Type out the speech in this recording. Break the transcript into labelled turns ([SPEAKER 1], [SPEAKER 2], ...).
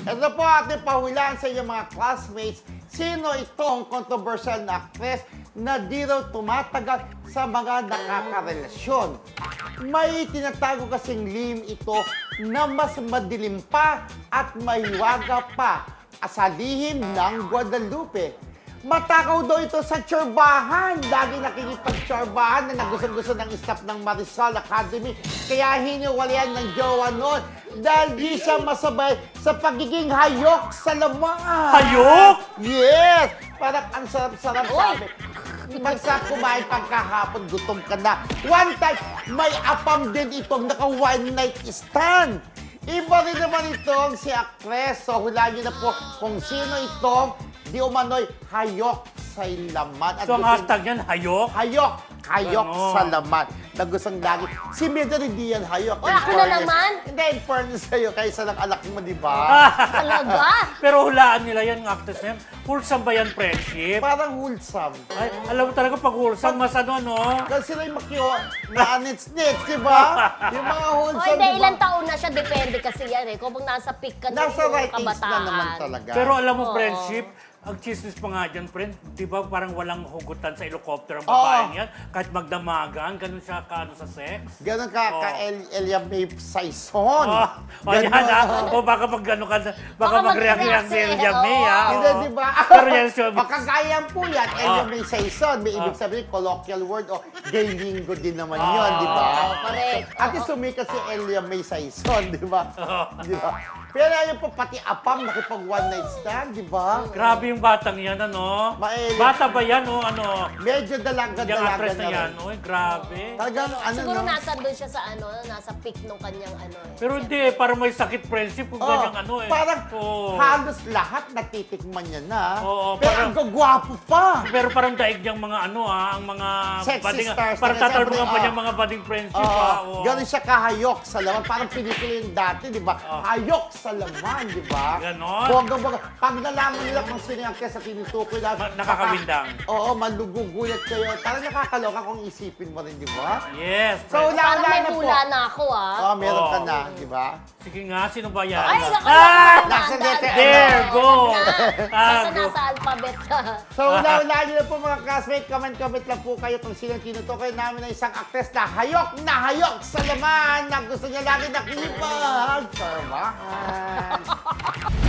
[SPEAKER 1] Ito po ating pahulaan sa inyong mga classmates. Sino itong controversial na actress na di raw tumatagal sa mga nakakarelasyon? May tinatago kasing lihim ito na mas madilim pa at mahiwaga pa sa lihim ng Guadalupe. Matakaw daw ito sa tsorbahan. Lagi nakikipag-tsorbahan na nagustuhan-gusto ng staff ng Marisol Academy. Kaya hiniwalayan ng jowa noon dahil di siya masabay sa pagiging hayok sa laman.
[SPEAKER 2] Hayok?
[SPEAKER 1] Yes! Parang ang sarap-sarap sabi. Magsa kumain pagkahapon, gutom ka na. One time, may apam din itong naka one night stand. Iba rin naman itong si actress. So, hulaan niyo na po kung sino itong di umano'y hayok sa laman. At
[SPEAKER 2] So, ang hashtag yan, hayok?
[SPEAKER 1] hayok
[SPEAKER 2] Ganon.
[SPEAKER 1] sa laman. Na gustong lagi. Si Mida rin di yan hayok.
[SPEAKER 3] Oy,
[SPEAKER 1] In
[SPEAKER 3] ako na
[SPEAKER 1] fairness.
[SPEAKER 3] naman?
[SPEAKER 1] Hindi, in fairness sa'yo, kaysa ng anak mo, di ba?
[SPEAKER 3] Talaga?
[SPEAKER 2] Pero hulaan nila yan, ng actress na yan. Wholesome ba yan, friendship?
[SPEAKER 1] Parang wholesome.
[SPEAKER 2] Ay, alam mo talaga pag wholesome, mas ano, no?
[SPEAKER 1] Kasi sila yung maanits-nits, di ba? Yung mga
[SPEAKER 3] O
[SPEAKER 1] wholesome,
[SPEAKER 3] hindi,
[SPEAKER 1] di ba?
[SPEAKER 3] ilang taon na siya, depende kasi yan eh. Kung nasa peak ka na
[SPEAKER 1] Nasa
[SPEAKER 3] yung
[SPEAKER 1] right age na
[SPEAKER 3] kabataan.
[SPEAKER 1] naman talaga.
[SPEAKER 2] Pero alam mo,
[SPEAKER 3] Oo.
[SPEAKER 2] friendship, ang chismis pa nga dyan, friend, di ba parang walang hugutan sa helicopter ang babaeng yan? Kahit magdamagan, ganun siya kaano sa sex?
[SPEAKER 1] Ganon ka,
[SPEAKER 2] Oo.
[SPEAKER 1] Elia May Saison.
[SPEAKER 2] Oh, yan ha. O baka pag ano ka, baka mag-react-react si Elia May, ha?
[SPEAKER 3] Oo.
[SPEAKER 1] Hindi, di ba?
[SPEAKER 2] Pero yan, sure.
[SPEAKER 1] Makagayan po yan. Elia
[SPEAKER 2] Ah.
[SPEAKER 1] May Saison. May ibig sabihin, colloquial word o gay lingo din naman yun,
[SPEAKER 2] Ah.
[SPEAKER 1] di ba?
[SPEAKER 3] Correct.
[SPEAKER 1] At least sumikat si Elia May Saison, di ba?
[SPEAKER 2] Oo.
[SPEAKER 1] Di ba? Pero ayun po, pati apam, nakipag one night stand, di ba?
[SPEAKER 2] Grabe yung batang yan, ano?
[SPEAKER 1] Maeli.
[SPEAKER 2] Bata ba yan, o ano?
[SPEAKER 1] Medyo
[SPEAKER 2] Yung
[SPEAKER 1] dalaga-dalaga
[SPEAKER 2] actress
[SPEAKER 1] na
[SPEAKER 2] na yan,
[SPEAKER 1] rin.
[SPEAKER 2] oy, grabe.
[SPEAKER 1] Talagang ano,
[SPEAKER 3] Siguro
[SPEAKER 1] no?
[SPEAKER 3] nasa doon siya sa ano, nasa peak nung kanyang ano eh.
[SPEAKER 2] Pero hindi, parang may sakit friendship kung
[SPEAKER 1] Oh,
[SPEAKER 2] ganyang ano eh.
[SPEAKER 1] parang
[SPEAKER 2] Oo.
[SPEAKER 1] halos lahat natitikman niya na.
[SPEAKER 2] Oo,
[SPEAKER 1] pero
[SPEAKER 2] parang-
[SPEAKER 1] ang gagwapo pa.
[SPEAKER 2] Pero parang daig niyang mga ano ang mga
[SPEAKER 1] Sexy
[SPEAKER 2] budding,
[SPEAKER 1] stars
[SPEAKER 2] parang
[SPEAKER 1] talaga,
[SPEAKER 2] tatalbungan
[SPEAKER 1] siyempre,
[SPEAKER 2] pa niyang mga budding friendship.
[SPEAKER 1] Oo,
[SPEAKER 2] Oo.
[SPEAKER 1] ganun siya kahayok sa laman. Parang pelikula yung dati, di ba?
[SPEAKER 2] Oo.
[SPEAKER 1] Hayok sa laman, di ba?
[SPEAKER 2] Ganon.
[SPEAKER 1] Bongga-bongga. Pag nalaman nila kung sino yung actress sa tinutukoy na...
[SPEAKER 2] Nakakawindang.
[SPEAKER 1] Oo, malugugulat kayo. Parang nakakaloka kung isipin mo rin, di ba?
[SPEAKER 2] Yes.
[SPEAKER 1] So,
[SPEAKER 2] friend.
[SPEAKER 3] Parang may
[SPEAKER 1] na po.
[SPEAKER 3] hula na ako ah.
[SPEAKER 1] Oo, meron ka
[SPEAKER 2] Oo.
[SPEAKER 1] na, di ba?
[SPEAKER 2] Sige nga, sino ba yan?
[SPEAKER 3] Ay,
[SPEAKER 1] Ah!
[SPEAKER 3] nakakaloka.
[SPEAKER 1] Nasa letter M.
[SPEAKER 2] There, go.
[SPEAKER 3] Nasa
[SPEAKER 2] go.
[SPEAKER 3] nasa alphabet ka.
[SPEAKER 1] So, una-una nyo na po mga classmates, comment lang po kayo kung sino tinutukoy namin ng isang actress na hayok sa laman na gusto niya lagi nakipag. Charmahan.